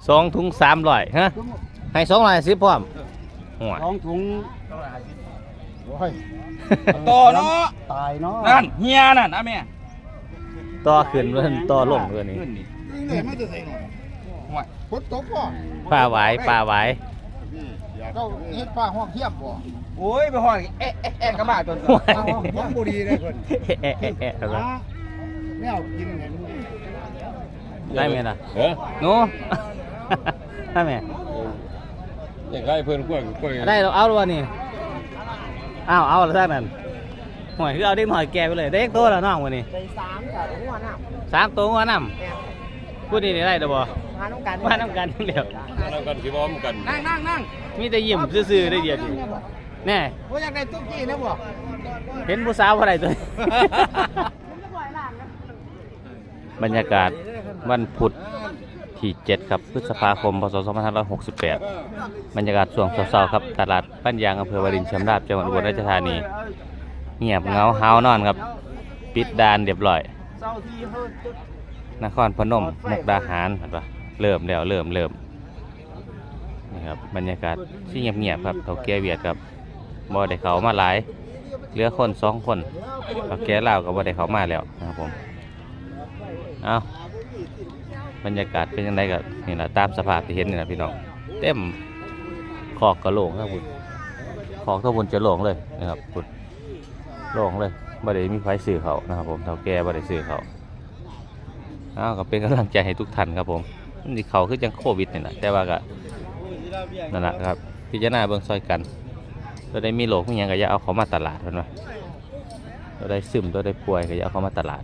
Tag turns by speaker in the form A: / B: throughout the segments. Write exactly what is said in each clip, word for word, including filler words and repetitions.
A: สองถุงสามร้อยฮะให้สองร้อยสิบพร้อมหัว
B: สองถุงโอ้ย
C: ต่อเนาะ
B: ตายเนาะ
C: นั่นเฮียนั่นนะแม่
A: ต่อขึ้นเรื่องต่อลงเรื่องนี้
B: นี่ไม่จะใส่หน่อย
C: ห่วย
B: ฝนตกป่ะ
A: ปลาไหวปลาไหว
B: เจ้าเฮ็ดปลาห้องเทียบบ่
C: โอ้ยไปห้อยเอ๊ะเอ๊ะเอ๊ะกระบะจน
A: หัว
B: ปลาห้องเทียบบ่ดีเลยเพิ่น
A: เอ๊ะเอ๊ะเอ๊ะอะไร
B: แมวกินไง
A: ได้ไหมล่ะ
D: เออ
A: หนูได้ไหม
D: อย่างไรเพื่อนกล้วยกล้วย
A: ได้เราเอาแล้วนี่อ้าวเอาแล้วท่านนั้นหอยคือเอาเด็กหน่อยแก่ไปเลยเด็กโตแล้วน้องวันนี้
E: ไปสามกับหัวหน้า
A: สามตัวหัวน้ำพูดดีได้เด้อบ่
E: มาต้องการ
A: มาน้ำกันเดียว
D: นั่งกันสิพร้อมกัน
C: นั่งนั่งนั่ง
A: มีแต่ยิ้มซื่อๆได้เดียวดิแน่
B: ว่าอยากได้ตุ๊กกี้นะบ่
A: เห็นผู้สาวอะไรตัวนี้ บรรยากาศวันพุธที่เจ็ดครับพฤษภาคมพศสองพันห้าร้อยหกสิบแปดบรรยากาศช่วงเช้าๆครับตลาดบ้านยางอำเภอวารินชำราบจังหวัดอุบลราชธานีเงียบเหงาเฮานอนครับปิดด่านเรียบร้อยนครพนมมุกดาหารเห็นปะเริ่มแล้วเริ่มเริ่มนี่ครับบรรยากาศที่เงียบๆครับเฒ่าแก่เวียดครับบ่ได้เขามาหลายเหลือคนสองคนเฒ่าแก่ลาวก็บ่ได้เขามาแล้วนะครับผมเอาบรรยากาศเป็นยังไงกับนี่แหละตามสภาพที่เห็นนี่แหละพี่น้องเต็มขอกกระโหลกครับคุณขอกทั้งบนจะโหลงเลยนะครับคุณโหลงเลยบ่ได้มีไฟสื่อเขานะครับผมเฒ่าแก่บ่ได้สื่อเขาเอาก็เป็นกำลังใจให้ทุกท่านครับผมนี่เขาคือจังโควิดนี่แหละแต่ว่าก็นั่นแหละครับพิจารณาเบื้องซอยกันตัวได้มีโรคมีอย่างก็อย่าเอาเขามาตลาดเห็นไหมตัวได้ซึมตัวได้ป่วยก็อย่าเอาเขามาตลาด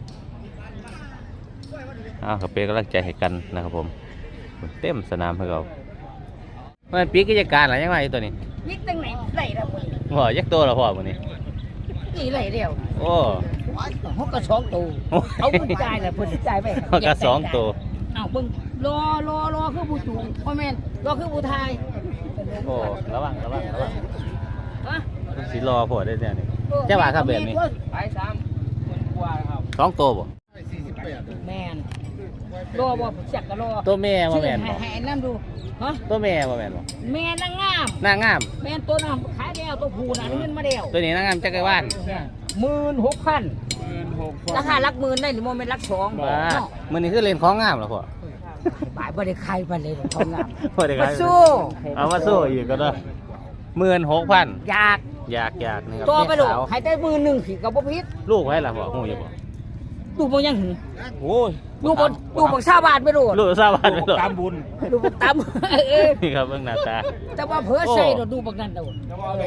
A: อ้าวก็เป็นกำลังใจให้กันนะครับผมเต็มสนามให้เรามันปีกิจการอะไรยังไงตัวนี้
E: ยิกตั้งไหนไหลละมึง
A: พ่อยักษ์ตัวละพ่อวันนี้
E: นี่ไหลเดียว
A: โอ้
E: หกกระสองตัวเอาบุญใจเลยบุญใจไป
A: เขาก็สองตัว
E: เอาเบิ่งรอรอรอคือผู้จูงพ่อแม่นรอคือผู้ทาย
A: โอ้ระวังระวังระวัง
E: ฮะ
A: สีรอพ่อได้เนี่ยนี่เจ้าบ่าครับแบบนี้
C: ไปสามคนกว่าครับ
A: สองตัวบ่
E: แม่นรอบ่จักก็รอ
A: ตัวแม่บ่แม่น
E: ให้
A: บ่
E: ให้นั่นดูฮะ
A: ตัวแม่บ่แม่นบ่
E: แม่นางงาม
A: นางงาม
E: แม่นตัวน้ำขายแล้วตัวผู้น่ะเงินมาแล้ว
A: ตัวนี้นางงามจักรวาล
E: หมื่นหกพันราคาลักหมื่นได้หรือโมเมนต์ลักสอง
A: บ้ามื้อนี้คือเล่นของงามเหรอพ่อ
E: บ่ายบ่ได้ใครบ่เลยทองงาม
A: บ่ได้
E: มา
A: ขาย
E: สู้
A: เอามาสู้อีกก็ได้หมื่นหกพัน
E: อยาก
A: อยากอยากนี่ครับ
E: ตัวไปดู
A: แม่สาว
E: ให้ได้หมื่นหนึ่งขีดกับบ่พิษ
A: ลูกไว้ล่ะพ่อหูอยู่บ่
E: ดูบ่ยังหึ
A: โอ้ย
E: ดูบ่ดูบ่ชาวบ้านไปดู
A: ลูกทราบบ้านไปหรอ
C: ตามบุญ
E: ดูบ่ตามเออ
A: นี่ครับเบิ่งหน้าตา
E: แต่ว่าเพิ่นใส่ดูบักนั่นเด้อ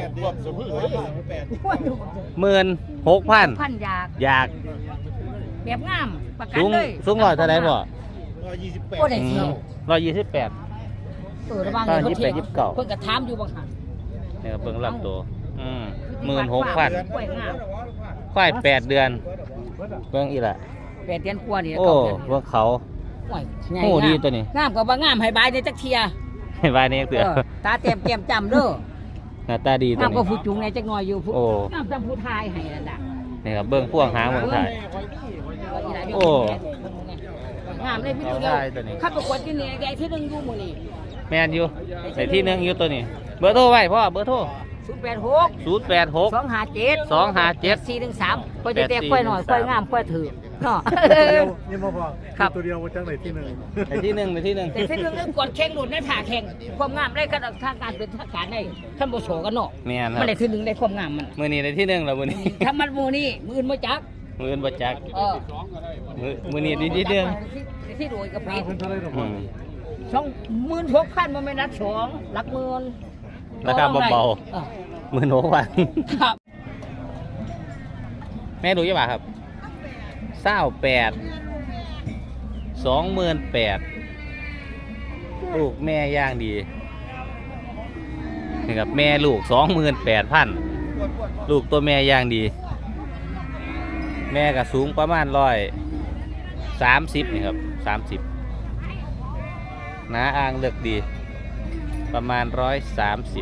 A: หมื่นหกพัน
E: พันอยาก
A: อยาก
E: แบบงามประกัน
A: สูง
E: เลย
A: สูงร้อยเท่าไหร่พ่อ
E: บ่ได้เที่ยว
A: ร้อยยี่สิบแปด
E: เออระวัง
A: ตอน
E: เพิ่นเที่ยว
A: ยี่สิบแปดยี่สิบเก้า
E: เพิ่นก็ถามอยู่บางหัน
A: นี่ครับเบิ่งลำตัวอืมหมื่นหกพัน
E: กล้วยงาม
A: ควายแปดเดือนเบิ่งอีละ
E: แปดเดือนกว่านี่
A: โอ้
E: เก้าเดือน
A: เบิ่งเขา
E: โอ้ยใหญ่
A: โอ้ดี
E: งาม
A: ตัวนี้
E: งามก็บ่งามให้บายในจักเที่ย
A: ให้บ้านนี้เตือ
E: เออตาเต็มแก้มจำเด้อ
A: หน้าตาดีตัว
E: น้ำก็
A: นี้
E: ผู้จุงในจักหน่อยอยู่ผู้
A: โอ้
E: น้ำจำผู้ทายให้นั่นน่ะ
A: นี่ครับเบิ่งพ่วงหางเบิ่งถ่าย โอ้
E: งามเลยพี่ตัวเดียว
A: ได้ตัวนี้
E: ข้าประกวดที่นี่ใหญ่ที่หนึ่งอยู่หมู่นี่
A: แม่นอยู่ในที่หนึงอยู่ตัวนี้ เบอร์โทรไว้พ่อเบอร์โทร
E: ศูนย์แปดหก
A: ศูนย์แปดหก
E: สองห้าเจ็ด
A: สองห้าเจ็ด
E: สี่หนึ่งสามค่อยจะแตกค่อยหน่อยค่อยงามค่อยถือเนาะ
B: นี่มาพอ
E: ครับ
B: ตัวเดียวมาจากไหนที่หนึ่ง
A: ในที่หนึ่งในที่หนึ่ง
E: แต่ที่หนึ่งเรื่องกดแข่งหลุดในถ่าแข่งความงามได้กันทางการเป็นทางการได้ขั้นโบโฉกันเนาะ
A: แม่นค
E: มั
A: รั
E: น
A: บ
E: ได้ที่หนึ่งได้ความงามมัน
A: มือนี้ในที่หนึ่งแล้วมือนี้
E: ถ้ามันหมูนี่มืออื่นมาจัก
A: มืออื่นบ่จัก
E: เออ
A: มือมือนี้ในที่หนึ่ง
E: ที่ที่รวยกับพี
A: อืม
E: สองหมื่นหกพันมันไม่นัดสองหลักหมื่น
A: ราคาเบา
E: ออ
A: ๆมือโหนวัน
E: ครับ
A: แม่ดูยังไงครับเศร้าแปดสองหมื่นแปดลูกแม่ย่างดีนี่ครับแม่ลูกสองหมื่นแปดพันลูกตัวแม่ย่างดี แม่ก็สูงประมาณร้อยสามสิบนี่ครับสามสิบหนาอ่างเลือกดี ประมาณร้อยสามสิบ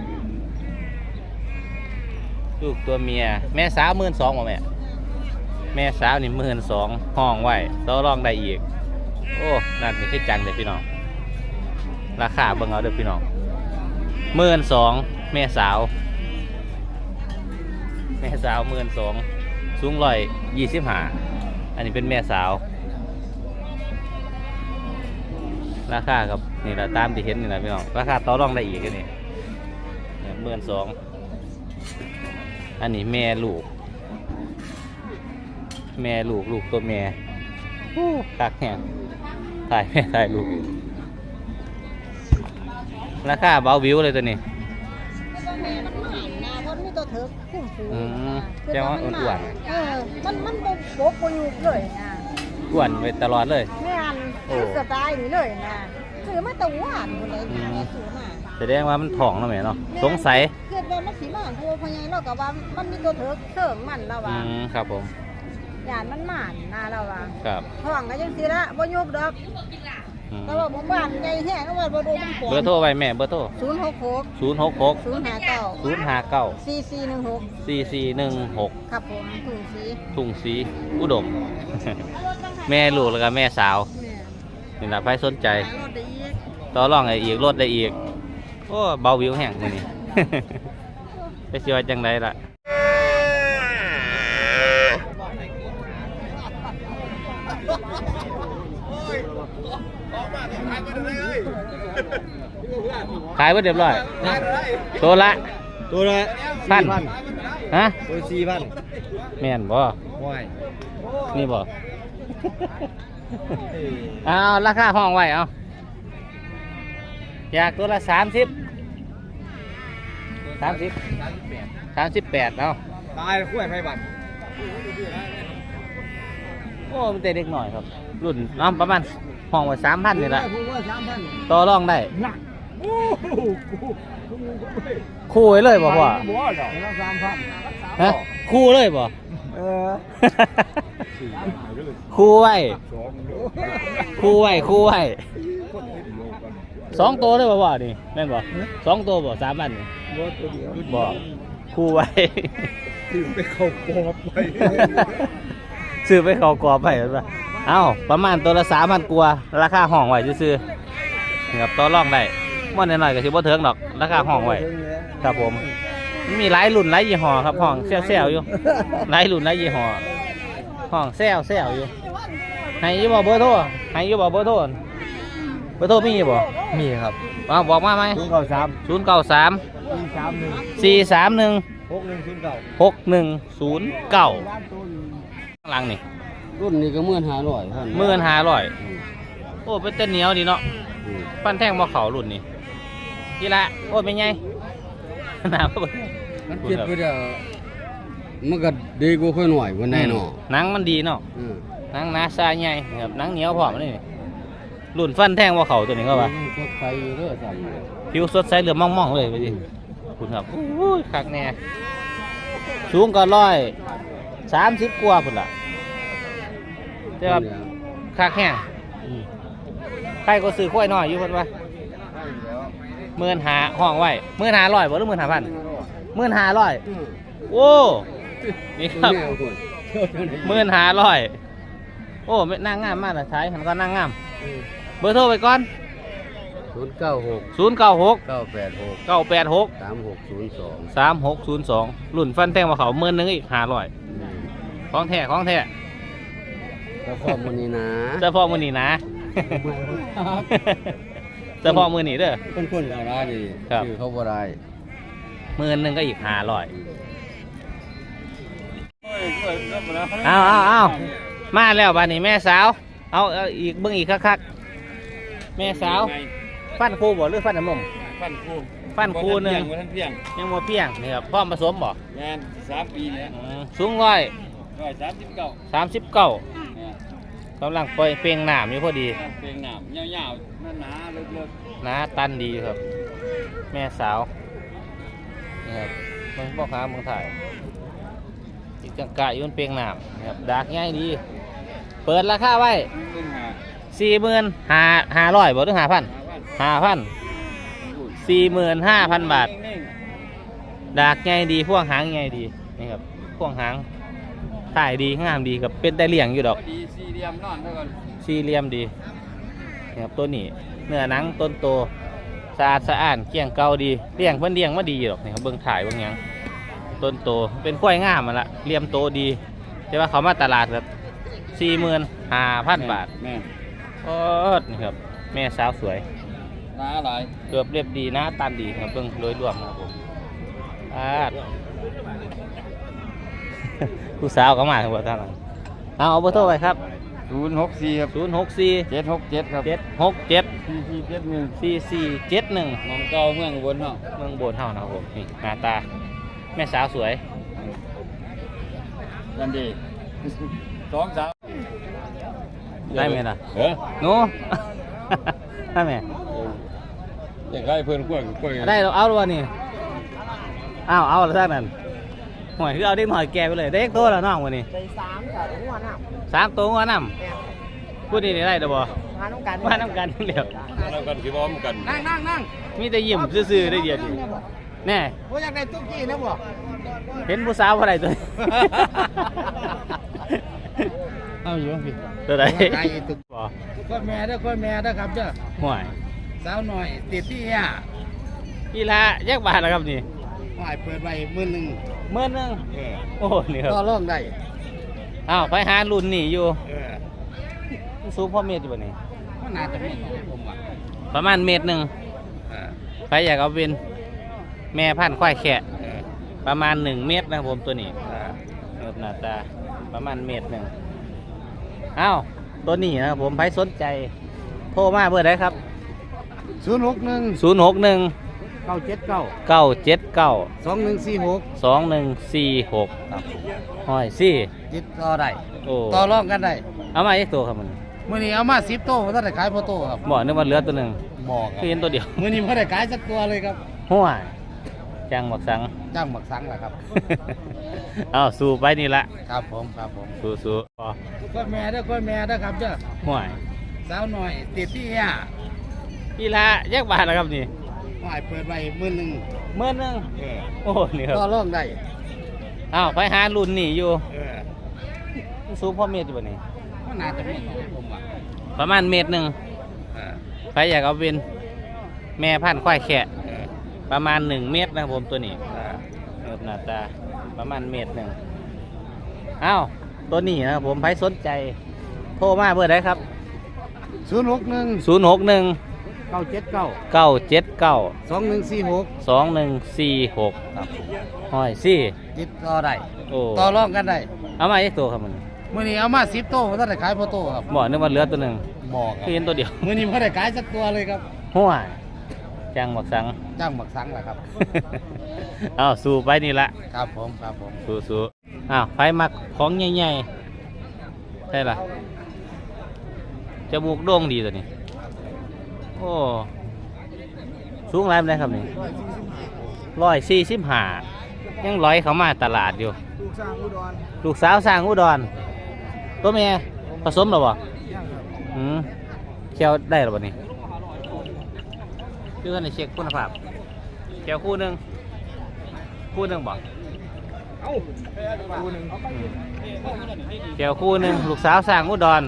A: ลูกตัวเมียแม่สาวหมื่นสองแม่แม่สาวนี่หมื่นสองห้องไว้ต่อรองได้อีกโอ้นั่นนี่คือจังเลยพี่น้องราคาเบิ่งเอาเด้อพี่น้องหมื่นสองแม่สาวแม่สาวหมื่นสองสูงร้อยยี่สิบห้าอันนี้เป็นแม่สาวราคาครับนี่แหละตามที่เห็นนี่แหละพี่น้องราคาต่อรองได้อีกอันนี้หมื่นสองอันนี้แม่ลูกแม่ลูกลูกตัวแม่คักแห้งถ่ายแม่ถ่ายลูกราคาเบาวิวเลยตัวนี้อืมแจ้งว่าอ้วน
F: เออมันมันบ่บกบ่อยู่เลยนะ
A: ๆอ้วนไปตลอดเลย
F: แม่อัน
A: โอ้
F: สไตล์นี่เลยนะซื้อมาแต่หวานพุ่นเลยนะแม่ซื้อมา
A: แสดงว่ามันท้องแล้วแม่เนาะสงสัย
F: เกิดว่ามันสิมาเพราะว่าพ่อใหญ่เราก็ว่ามันมีตัวเถิกเสริมมันแล้ว
A: อื
F: ว่า
A: มครับผม
F: ยานมันหมานนะเราว่า
A: ครับ
F: ท้องก็จังซี่ละบ่ยุบดอก
A: อืม
F: แต่ว่าบ่บ้านใหญ่แฮงเอาไว้บ่ดูมันปว
A: เบอร์โทรไว้แม่เบอร์โทร
F: ศูนย์หกหก
A: ศูนย์หกหก
F: ศูนย์ห้าเก้า
A: ศูนย์ห้าเก้า
F: สี่สี่หนึ่งหก
A: สี่สี่หนึ่งหก
F: ครับผมถุงสี
A: ทุ่งสีอุดม แม่ลูกแล้วก็แม่สาว
F: แม่
A: นี่ละใครสนใจ
F: ขายรถได้อีก
A: ต่อรองได้อีกลดได้อีกโอ้เบาวิวแห้งมื้อนี้ ไปสิว่าจังไดล่ะขายไว้เรียบร้อยตัวละ
B: ตัวละ
A: พันฮะ
B: ตัวสี่พัน
A: แม่นบ่
B: ว้าย
A: นี่บ่ เอาราคาห้องไว้เอาอยากตัวละสามสิบสามสิบสามสิบแปดเอา
B: ตายคุ้ยไฟบัตร
A: โอ้มันแต่เด็กหน่อยครับ รุ่นน้ำประมาณห้องไว้สามพันนี่แหละ
B: ผมว่าสามพัน
A: ต่อรองได้
B: หนักโอ้โห
A: คู่ไว้เลยบ่พ่อ
B: บัวดอกแล้วสามพัน
A: ฮะคู่เลยบ่
B: เออ
A: คู่ไว้
B: สองโล
A: คู่ไว้คู่ไว้สองตัวเลยบ่พ่อนี่แม่นบ่สองตัวบ่สามพันนี่
B: บัวตัวเดียว
A: บ่คู่ไว้
B: ถึงไปเข้ากรอบไป
A: ซื้อไปเขากรอบไปแล้วเอ้าประมาณตัวละสามพันกว่าราคาห้องไว้ซื้อๆนี่ครับต่อรองได้ม่อนหน่อยๆก็สิบ่เถิงดอกราคาห้องไว้ครับผมมันมีหลายรุ่นหลายยี่ห้อครับห้องแซวๆอยู่หลายรุ่นหลายยี่ห้อห้องแซวแซวอยู่ให้อยี่บ่เบอร์โทรให้อยี่บ่เบอร์โทรเบอร์โทรมีอยู่บ่
B: มีครับ
A: เอาบอกมาไหม
B: ศูนย์เก้าสาม
A: ศูนย์เก้าสาม
B: สี่สามหนึ่ง
A: สี่สามหนึ่ง
B: หกหนึ่งศูนย์เก้า
A: หกหนึ่งศูนย์เก้าข้างหลังนี่
C: รุ่นนี้ก็หมื่นห้าร้อยพัน
A: หมื่นห้าร้อยโอ้เป็นเต้นเหนียวดีเนาะปั้นแท่งบ่เขารุ่นนี้ยี่ละโอ้เป็นไง หนาบ่
C: มันเจ็บไปเด้อมันก็ดีกว่าค่อยหน่อยวันไหนเนาะ
A: หนังมันดีเนาะ
C: อืม
A: หนังหนาซาใหญ่ครับหนังเหนียวพร้อมนี่รุ่นฟันแท่งบ่เขาตัวนี้ก็ว่า
C: สดใสอยู่เด้อสั่น
A: ผิวสดใสเหลืองม่องๆเลยไปดิคุณครับอุ้ยคักแน่สูงก็ร้อยสามสิบกว่าพุ่นล่ะแต่ว่าคักแห้งใครก็ซื้อข้อยน้อยอยู่เพิ่นว่าหมื่นหาห้องไว้หมื่นหาร้อยบ่หรือหมื่นหาพันหมื่นหาร้อยโอ้นี่ครับหมื่นหาร้อยโอ้ไม่นั่งงามมากเลยท้ายมันก็นั่งงามเบอร์โทรไปก่อน
C: ศูนย์เก้าหก
A: ศูนย์เก้าหก
C: เก้าแปดหก
A: เก้าแปดหก
C: สามหกศูนย์สอง
A: สามหกศูนย์สองรุ่นฟันแท่งมาเขาหมื่นหนึงอีกห้าร้อยของแท้ของแท้
C: เฉพาะมื้อนี้นะ
A: เฉพาะมือนี้นะเฉพาะมือนี้เด้อ
C: คนคนๆเอาได้นี่
A: ครับ
C: ชื่อเขาบ่ได้
A: หมื่นหนึงก็อีกห้าร้อยเอาเอาเอามาแล้วบ้านนี้แม่สาวเอาเอาอีกเบิ่งอีกคักๆแม่สาวฟันคู่บ่หรือฟันน้ำนม
D: ฟันคู่
A: ฟันคู่หนึ่ง
D: บ่ทันเพียง
A: ยังบ่เพียงนี่ครับพร้อมผสมบ่
D: งานสามปีเนี่ย
A: อืมสูงร้อย
D: ร้อยสามสิบเก้า
A: สามสิบเก้า
D: เนี่ย
A: กำลังปล่อยเปล่งหนามอยู่พอดี
D: เพลงหนามยาวๆหนาๆเลิก
A: หนาตันดีอยู่ครับ แม่สาวนี่ครับเมืองพ่อค้าเมืองไทยอีกจังกะอยุ่นเปล่งหนามนะครับดากง่ายดี เปิดราคาไว้
D: ๆขึ้นหา
A: สี่หมื่นห้าห้าร้อยบ่ถึงห้าพัน
D: หาวัน
A: ห้าพันสี่หมื่นห้าพันบาท
D: นิ่ง
A: ดากง่ายดีพ่วงหางง่ายดีนี่ครับพ่วงหางถ่ายดีงามดีครับเป็นได้เลี้ยงอยู่ดอก
D: ๆพอดีสี่เหลี่ยมนอนเท่ากัน
A: สี่เหลี่ยมดีนี่ครับตัวนี้เนื้อหนังต้นโตสะอาดสะอ้านเกลี้ยงเก่าดีเลี้ยงเพิ่นเลี้ยงมาดีหรอกนี่ครับเบิ่งถ่ายเบิ่งหยังต้นโตเป็นกล้วยงามมันละเลี่ยมโตดีแต่ว่าเขามาตลาดครับสี่หมื่นห้าพันบาท
D: แม่
A: โอ้นี่ครับแม่สาวสวย
D: หนาหลาย
A: เกือบเรียบดีหน้าตันดีครับเบิ่งโดยรวมนะครับผมอาด ผู้สาวก็มาทั้งหมดท่านเอาเอาเบอร์โทรไปครับ
D: ศูนย์หกสี่ครับ
A: ศูนย์หกสี่
D: เจ็ดหกเจ็ดครับ
A: เจ็ดหกเจ็ด
D: สี่สี่เจ็ดหนึ่ง
A: สี่สี่เจ็ดหนึ่ง
D: มองเก่าเมืองอุบนเนาะ
A: เมืองโบนเท่านะครับผมนี่หน้าตาแม่สาวสวย
D: ยันดี สองสาม
A: ได้ไหมล่ะ
D: เออ
A: หนู ได้ไหม
D: อย่างไรเพื่อนกล้วยกล้วย
A: ได้เราเอาหรือวะนี่อ้าวเอาแล้วท่านนั่นหอยคือเอาเด็กหน่อยแก่ไปเลยเด็กโตแล้วน้องวันนี้
B: ไปสามค่ะถึงวันน่ะ
A: สามตัวหัวน้ำพูดดีได้เด้อบ่
B: มาต้องการ
A: มาน้ำกันเดียว
D: เรากันคือพร้อมกัน
B: นั่งนั่งนั่ง
A: มีแต่ยิ้มซื่อๆได้เดียวดิแน่
B: โอ้อยากได้ตุ๊กกี้นะบ่
A: เห็นผู้สาวอะไรตัวนี้
B: เอาอยู่พี่
A: ตัวไหน
B: ไก่ตุ๊ก
A: บ่
B: ก็แม่เด้อก็แม่เด้อครับเด้อ
A: ห่วย
B: สาวหน่อยติดที่อ่ะ
A: กีฬาแยกบาทแล้วครับนี่
B: หอยเปิดไว้หมื่นหนึ่ง
A: เมื่อนึง
B: เออ
A: โอ้นี่ครับ
B: ก็ร้องได้
A: อ้าวไปหารุ่นนี่อยู่
B: เออ
A: สูงพ่อเมตรอยู่บ่นี่
B: ก็น่าจะมีผมว่า
A: ประมาณเมตรหนึ่ง
B: เออ
A: ไปอยากเอาเป็นแม่พันธุ์ควายแขะ
B: เออ
A: ประมาณหนึ่งเมตรนะครับผมตัวนี้
B: เออ
A: เอิบหน้าตาประมาณเมตรหนึ่งอ้าวตัวนี้นะครับผมใครสนใจโทรมาเบอร์ใดครับ
B: ศูนย์หกหนึ่ง
A: ศูนย์หกหนึ่ง
B: เก้าเจ็ดเก้า
A: เก้าเจ็ดเก้า
B: สองหนึ่งสี่หก
A: สองหนึ่งสี่หกห้อยสี่
B: ติดต่อได้
A: โอ้
B: ต่อรองกันได้
A: เอามาอีกตัวครับมัน
B: มื่อนี้เอามาสิบโต้ถ้าได้ขายพอโต้ครับ
A: บอกนึกว่าเหลือตัวหนึ่ง
B: บอกครั
A: คือเห็นตัวเดียว
B: มื่อนี้พอได้ขายสักตัวเลยครับ
A: ห้วยจังบักสัง
B: จ้างหมักสังแหละครับ
A: เอาสู้ไปนี่ละ
B: ครับผมครับผม
A: สู้สู้พอ
B: ก็แม่เด้อก็แม่เด้อครับเด้อ
A: ห้วย
B: สาวหน่อยติดที่อ่ะ
A: กีฬาแยกบาทแล้วครับนี่
B: หอยเปิดไว้หมื่นหนึ่ง
A: เมื่อนึง
B: เออ
A: โอ้นี่ครับ
B: ต่อรองได้
A: อ้าวไปหารุ่นนี่อยู่
B: เออ
A: สู้พ่อเมตรอยู่บ่นี่
B: ก็น่าจะมีผมว่า
A: ประมาณเมตรหนึ่ง
B: เออ
A: ใครอยากเอาเป็นแม่พันธุ์ควายแขะ
B: เออ
A: ประมาณหนึ่งเมตรนะครับผมตัวนี้
B: เออ
A: เอิบหน้าตาประมาณเมตรหนึ่งอ้าวตัวนี้นะครับผมใครสนใจโทรมาเบอร์ใดครับ
B: ศูนย์หกหนึ่ง
A: ศูนย์หกหนึ่ง
B: เก้าเจ็ดเก้า
A: เก้าเจ็ดเก้า
B: สองหนึ่งสี่หก
A: สองหนึ่งสี่หก
B: ครับ
A: ห้อยสี่
B: ติดต่อได้
A: โอ้
B: ต่อรองกันได้
A: เอามาอีกตัวครับมัน
B: มื่อนี้เอามาสิบโต้ถ้าได้ขายพอโต้ครับ
A: บอกนึกว่าเหลือตัวหนึ่ง
B: บอกค
A: คือ
B: รับ
A: เห็นตัวเดียว
B: มื่อนี้พอได้ขายสักตัวเลยครับ
A: ห้วยจังบักสัง
B: จ้างหมักสังแหละครับ
A: เอาสู้ไปนี่ละ
B: ครับผมครับผม
A: สู้สู้อ้าวไฟมักของใหญ่ๆใช่ล่ะจมูกโด่งดีตัวนี้โอ้สูงไรเป็นไรครับนี่ร้อยสี่สิบห้ายังร้อยเขามาตลาดอยู่
B: ลูกสร้างอุดร
A: ลูกสาวสร้างอุดรตัวเมียผสมหรอบ่
B: ย่างครับ
A: อืมเคี่ยวได้หรอบ่นี่คือในเช็คคุณภาพเคี่ยวคู่หนึ่งคู่หนึ่งบ่
B: เอ้าคู่หนึ่ง
A: เกี่ยวคู่หนึ่งลูกสาวสร้างอุดร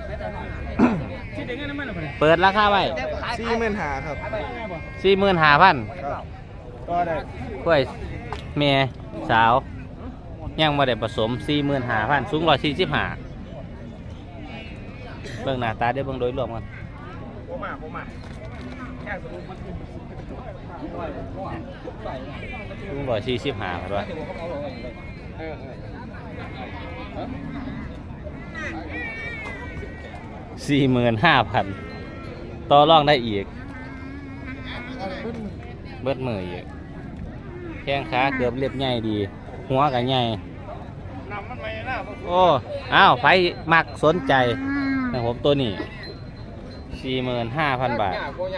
A: เปิดราคาไว้
B: สี่หมื่นหาครับ
A: สี่หมื่นห้าพัน
B: ก็ได้
A: กล้วยเมียสาว ยังมาได้ผสมสี่หมื่นห้าพันสูงร้อยสี่สิบห้าเบื้องหน้าตาเดี๋ยวเบื้องโดยรวมกันสูงร้อยสี่สิบห้าครับว่าสี่หมื่นห้าพันต่อรองได้อีก เบิดมืออีกแข้งขาเกือบเรียบใหญ่ดี หัวก็ใหญ่โอ้อ้าวไผมักสนใจนะผมตัวนี้สี่หมื่นห้าพันบาท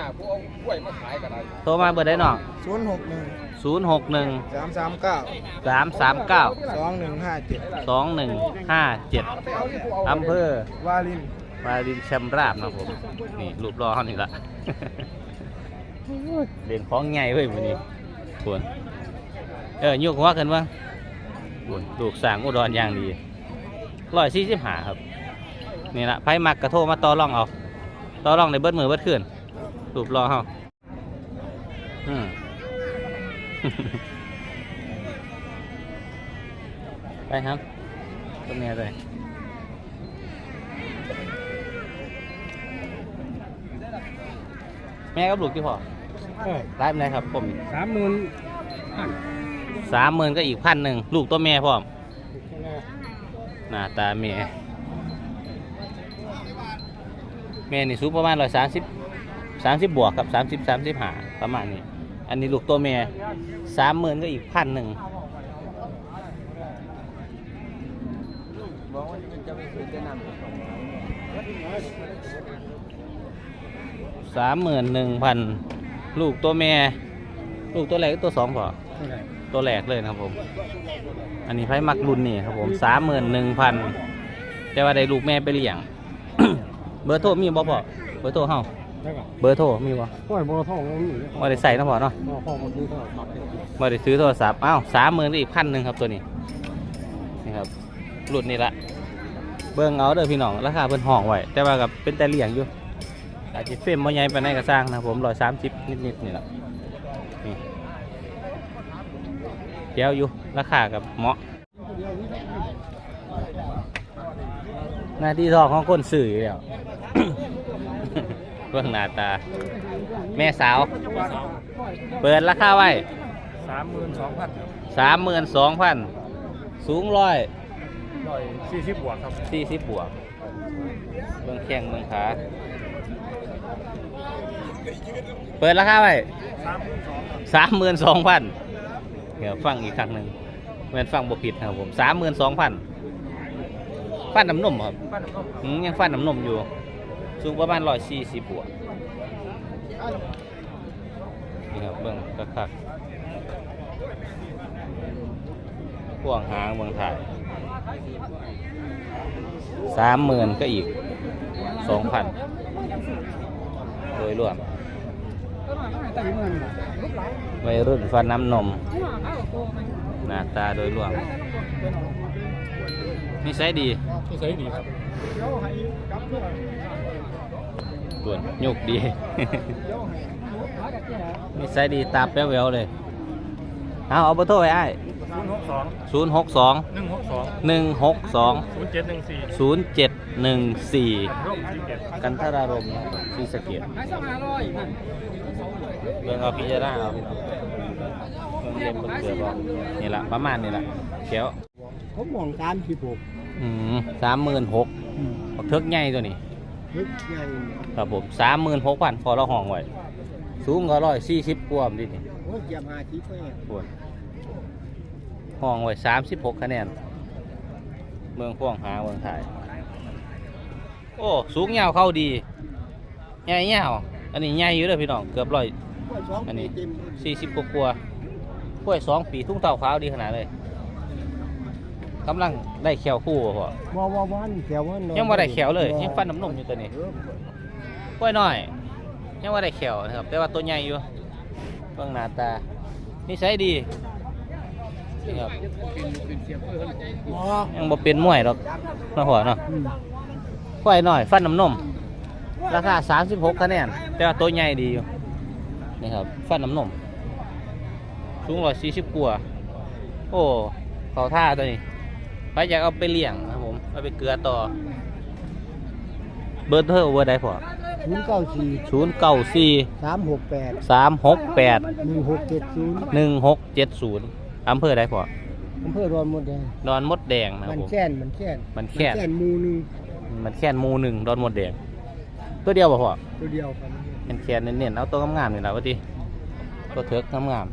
A: โทรมาเบอร์ได้น้อง
B: ศูนย์หกหนึ่ง
A: ศูนย์หกหนึ่ง
B: สามสามเก้า
A: สามสามเก้า
B: สองหนึ่งห้าเจ็ด
A: สองหนึ่งห้าเจ็ดอำเภอ
B: วาลิน
A: วารินชำราบนะครับผม นี่รูปรอเขานี่ละ เด่นของใหญ่เว้ยวันนี้ควรเออยุกหัวกันบ้างควรลูกสร้างอุดรอย่างดีร้อยสี่สิบห้าครับ นี่ละไพ่มักกระโทรมาต่อรองเอาต่อรองในเบิดมือเบิดขึ้นรูปรอเขาอืม ไปครับตรงนี้เลยแม่กับลูกที่พ่อไลฟ์ไหนครับผม
C: สามหมื่น
A: สามหมื่นก็อีกพันหนึ่งลูกตัวแม่พ่อมหน้าตาแม่แม่นี่สูงประมาณร้อยสามสิบสามสิบบวกกับสามสิบสามสิบห้าประมาณนี้อันนี้ลูกตัวแม่สามหมื่นก็อีกพันหนึ่งสามหมื่นหนึ่งพันลูกตัวแม่ลูกตัวแรกก็ตัวสองพอตัวแรกเลยนะครับผมอันนี้ไพ่มักรุ่นนี่ครับผมสามหมื่นหนึ่งพันแต่ว่าได้ลูกแม่ไปเลี้ยง เบอร์โทรมีบ่พอเบอร์โทรเฮาเบอร์โทรมีบ่
C: ห้อยบอท่องมันอยู่
A: บ่ได้ใส่นะพอเนาะ
C: บอท่องมันคือเท่าไหร่
A: บ่ได้ซื้อโทรศัพท์อ้าวสามหมื่นอีกพันหนึ่งครับตัวนี้นี่ครับรุ่นนี้ละเบิ่งเอาเด้อพี่น้องราคาเพิ่นห้องไว้แต่ว่ากับเป็นแต่เลี้ยงอยู่อาจจะเฟรมบ่ใหญ่ปานใดก็สร้างนะผมร้อยสามสิบนิดๆนี่แหละนี่เดี๋ยวอยู่ราคากับเหมาะหน้าที่ทองของคนสื่ออยู่แล้ว เบื้องหน้าตาแม่สาวเปิดราคาไว้สามหมื่นสองพันสามหมื่นสองพันสูงร้อยร้อยสี่สิบบวกครับสี่สิบบวกเบื้องแข้งเบื้องขาเปิดราคาไว้สามหมื่นสองพันเดี๋ยวฟังอีกครั้งหนึ่งเหมือนฟังบกผิดนะครับผมสามหมื่นสองพันฟันน้ำนมครับยังฟันน้ำนมอยู่สูงประมาณร้อยสี่สิบบวกนี่ครับเบื้องคักๆพ่วงหางเบื้องถ่ายสามหมื่นก็อีกสองพันโดยรวมวัยรุ่นฟันน้ำนมหน้าตาโดยรวมนิสัยดีนิสัยดีครับส่วนยุกดี นิสัยดีตาแป๊วแววเลยเอาเอาเบอร์โทรไว้ไอ้ศูนย์หกสอง
G: หนึ่งหกสอง
A: หนึ่งหกสอง
G: ศูนย์เจ็ดหนึ่งสี่
A: ศูนย์เจ็ดหนึ่งสี่
G: ร่มสี่เจ็ด
A: กันทรารมณ์นะครับศรีสะเกษเรื่องเอาพิจารณาเอาพี่น้องเรื่องเล่มเบิ่งเกือบเอานี่ละประมาณนี่ละเขียว
C: ผมมองสามสิบหก
A: อืมสามหมื่นหกบักเทิกใหญ่ตัวนี้
C: ลึกใหญ่
A: ครับผมสามหมื่นหกพันพอเราห้องไว้สูงก็ร้อยสี่สิบกว่าดินี่
C: โอ้ยเจียมหาชิปไป
A: ปวดห้องไว้สามสิบหกคะแนนเมืองพ่วงหาเมืองถ่ายโอ้สูงยาวเข้าดีใหญ่ยาวอันนี้ใหญ่อยู่เลยพี่น้องเกือบร้อยอันนี้สี่สิบกว่ากว่ากล้วยสองปีทุ่งเต่าขาวดีขนาดเลยกำลังได้แขวคู่พ่อ
C: บ่บ่บ่นี่แขวมัน
A: ยังว่าได้แขวเลยยังฟันน้ำนมอยู่ตัวนี้กล้วยน้อยยังว่าได้แขวนะครับแต่ว่าตัวใหญ่อยู่เบื้องหน้าตานิสัยดีนี่ครับยังบ่เป็นมวยหรอกนะพ่อเนาะกล้วยน้อยฟันน้ำนมราคาสามสิบหกคะแนนแต่ว่าตัวใหญ่ดีอยู่นี่ครับฟันน้ำนมสูงร้อยสี่สิบกว่าโอ้เขาท่าตัวนี้ไปอยากเอาไปเลี้ยงนะครับผมเอาไปเกลือต่อเบอร์เทอร์เบอร์ใดพอ
C: ศูนย์เก้าสี่
A: ศูนย์เก้าสี่
C: สามหกแปด
A: สามหกแปด
C: หนึ่งหกเจ็ดศูนย์
A: หนึ่งหกเจ็ดศูนย์อำเภอใดพอ
C: อำเภอดอนมดแดง
A: ดอนมดแดงนะค
C: มั
A: รับ
C: น
A: ผม
C: แค่นมันแค่น
A: มันแค่น
C: นหมูหนึง
A: มันแค่นหมูหนึ่งดอนมดแดงตัวเดียวบ่พอ
C: ตัวเดียวครับ
A: เป็นแค่นเน้นๆเอาตัวงามๆนี่แหละว่าดิตัวเถิกงาม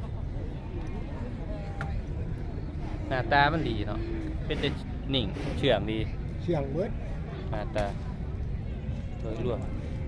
A: ๆหน้าตามันดีเนาะเป็นแต่นิ่งเชื่องดี
C: เชียงเบิด
A: หน้าตาโดยรวม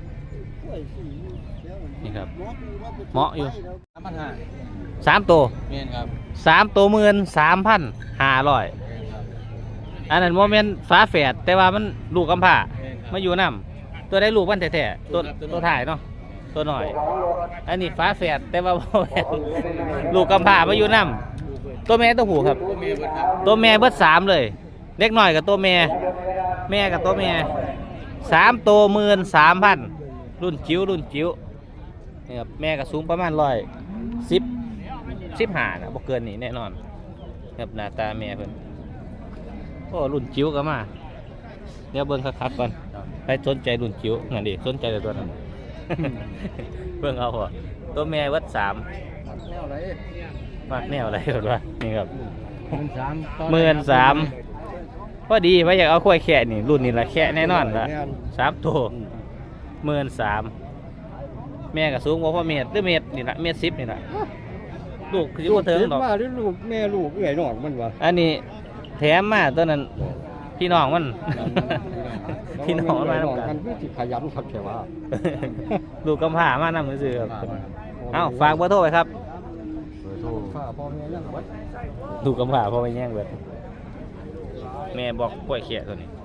A: นี่ครับเหมาะอยู่
B: สามพันห้า
A: สามตัว
B: เมียนครับ
A: สามตัวหมื่นสามพันห้าร้อยอันนั้นโมเมนต์ฟ้าแฝดแต่ว่ามันลูกกำพร้ามาอยู่น้ำตัวได้ลูกมันแท้ๆตัวตัวถ่ายเนาะตัวหน่อย อันนี้ฟ้าแฝดแต่ว่าบ่แม่นลูกกำพร้ามาอยู่น้ำตัวแม่ตัวผู้ครับ
B: ตัวเมียเบิดครับ
A: ตัวแม่เบิดสามเลยเล็กหน่อยกับตัวแม่แม่กับตัวแม่สามตัวหมื่นสามพันรุ่นจิ๋วรุ่นจิ๋วนี่ครับแม่ก็สูงประมาณร้อยสิบสิบห้านะบ่เกินนี่แน่นอนครับหน้าตาแม่เพิ่นโอ้รุ่นจิ๋วก็มาเดี๋ยวเบิ่งคักๆก่อนใครสนใจรุ่นจิ๋วนั่นดิสนใจแต่ตัวนั้น เบิ่งเอาพอตัวแม่วัดสาม
C: แนวไร
A: มากแนวอะไรกันวะนี่ครับ
C: หมื่นสาม
A: หมื่นสามพอดีไว้อยากเอาควายแค่นี่รุ่นนี้ละแค่แน่นอนละสามตัวหมื่นสามแม่ก็สูงกว่าพ่อเมตรหรือเมตรนี่ละเมตรสิบนี่ละลูกคือว่าเถิงดอก
C: มาด้วยลูกแม่ลูกเอื่อยหนอกมันวะ
A: อันนี้แถมมาตัวนั้นพี่น้องมัน พี่น้องมันมาทำกั
C: กัน นเพื่อที่ขยันขับแค่ว่า
A: ลูกกำพร้ามานำมือซื้อครับเอ้าฝากเบอร์โทรไว้ครับ
C: เบอร์โทรฝากพ่อแม่ยังวัด
A: ลูกกำพร้าพ่อไม่แย่งเบิดแม่บอกกล้วยเขียตัวนี้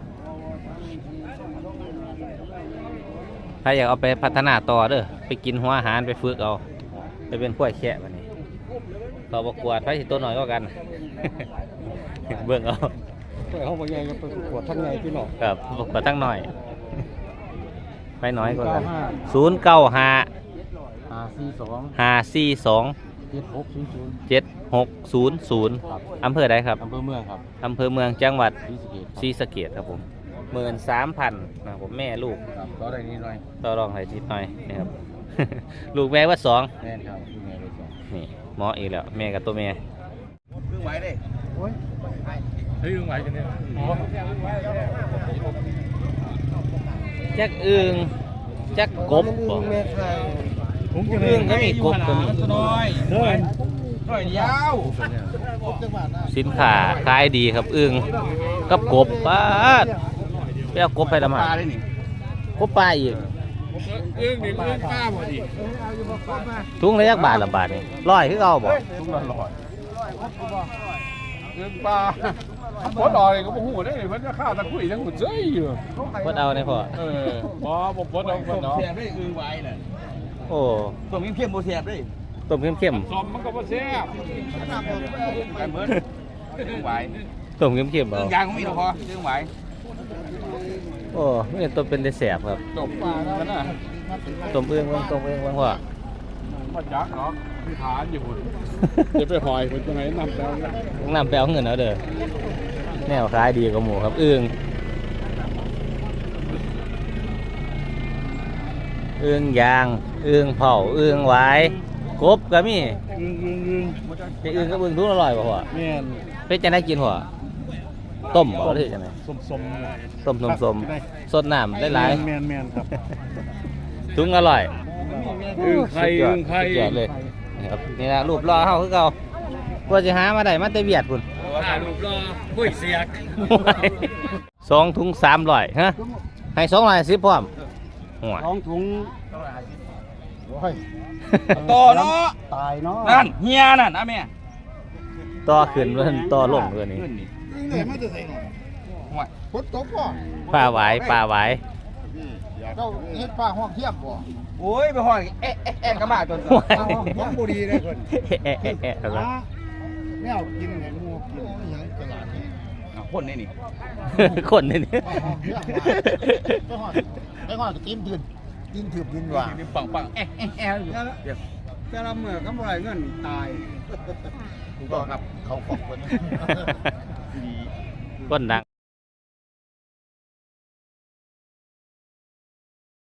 A: ถ้าอยากเอาไปพัฒนาต่อเด้อไปกินหัวอาหารไปฝึกเอาไปเป็นกล้วยเขียแบบนี้ต่อประกวดไปสิตัวหน่อยก็กัน เบิ่งเอา
C: เพื่อเขาบอกยังไปประกวดทั้งไงพี่น้อง
A: ครับประกวดตั้งหน่อย ไปน้อยกว่ากันศูนย์เก้าห้า
C: ห้าสี่สอง
A: ห้าสี่สอง
C: เจ็ดหกศูนย์ศูนย์
A: เจ็ดหกศูนย์ศูนย์อำเภอใดครับ
C: อำเภอเมืองครับ
A: อำเภอเมืองจังหวัด
C: ศรีสะเกษ
A: ศรีสะเกษครับผมหมื่นสามพันนะผมแม่ลูก
C: ครับก็ได้นิดหน่อย
A: ต่อรองให้นิดหน่อยนะครับ ลูกแม่ว่าสอง
C: แม่นครับดูแม่เลยสอง
A: นี่หมออีกแล้วแม่กับตัวแม่
D: เพิ่งไหวเด้
B: โอ้ย
D: เฮ้ยเพิ่งไหวกันเนี่ยอ๋อ
A: จักอึงจักกบบ่
B: แม่ไข่
D: ผมจะ
A: อึงก็มีกบก็มี
D: น้อยน้อยน้อยยาว
B: ครบจังหวัดนะ
A: สินค้าขายดีครับอึงกับกบป้าดไปเอากบไปละหมาด
D: ปลาได้นี่
A: กบปลาอีก
D: เอื้องนี่เอื้องป้าหมดดิ
A: ถุงละยักบาทละบาทนี่ร้อยคือเอาบ่
D: ทุกละร้อยเอื้องปลาถ้าปลดออกเลยก็บ่ฮู้ได้เพิ่นจะฆ่าตะคุยทั้งหมดเจ้ยอยู่
A: พดเอาเนี่ยพ่อ
D: เออบ่บ่ปลดออกปลดออก
G: แสบได้อึงไว้น่ะ
A: โอ้
G: ตัวมีเพียมโบแสบได้
A: ต้มเข้ม
D: ซอมมันก็บ่แซ่บ
G: ไปเบิดอึงไว้
A: ๆต้มเข้มๆ
G: อึ
A: เอา
G: งยางก็มีหรอกพออึงไว้
A: โอ้ไม่เห็นตัวเป็นได้แสบครับ
D: จบปลาแล้วนะ
A: ต้มเอื้องเบิ่งต้มเอื้องเบิ่งพ่อ
D: บ่จักเนาะมีฐานอยู่พุ่นจะไปหอยเพิ่นจังได๋นำแล้วนะ
A: น้ำแปลวเงินเอาเด้อแนวขายดีกว่าหมูครับอึ้งอึ้งยางอึ้งเผาอึ้งหวายกบก็มี
C: อึงอึงอึง
A: ไปอึ้งกับอึ้งทุกอร่อยป่ะพ่อ
C: แม่น
A: เป็นจังได้กินพ่อต้มบ่หรือจังได
C: สมสม
A: ต้มสมสมสดน้ำได้หลาย
C: แม่นแม่นครับ
A: ๆถุงอร่อย
C: อึงไข่
A: สุดยอ
C: อึ
A: ด
C: งไข่
A: สุดยอดเลยนะครับนี่นะรูปรอเฮาคือเก่าว่าสิหามาได้มาแต่เวียดพุ่น
D: ถ่ายรูปรอปุ้ยเสียก
A: สองถุงสามร้อยฮะให้สองร้อยสิบพร้อมหัว
C: ท้องถุง
G: ต่อเนาะ
C: ตายเนาะ
G: นั่นเฮียนั่นนะแม่
A: ต่อขึ้นเพิ่นต่อลงเพิ่นนี่
G: ขึ้นนี่
B: อึ้งเลยไม่จะใส่หน่อย
G: ห่วย
B: พดตกพ่อ
A: ปลาหวายปลาหวาย
B: เจ้าเฮ็ดปลาห้องเทียบบ่
G: โอ้ยไปห้อยเอ๊ะเอ๊ะเอ๊ะกระมาจน
A: หวาย
B: ปลาห้องห้องบ่ดีเลยคน
A: เอ๊ะเอ๊ะเอ๊ะครับ
B: แมวกินเห็นงูกินอหยังตลาดนี่
G: อ้าวคนนี่นี่
A: คนนี่นี่
B: ปลาห้องเทียบไปหอดไปหอดก็กินถืนกินถืบกินหว่า
G: ปังปังเอ๊ะเอ๊ะเอ๊ะอยู่เดี๋ยว
C: แต่ละเมื่อก็บ่ได้เงินตาย
B: ถูกต้องครับเขาขอบคน
A: คนดัง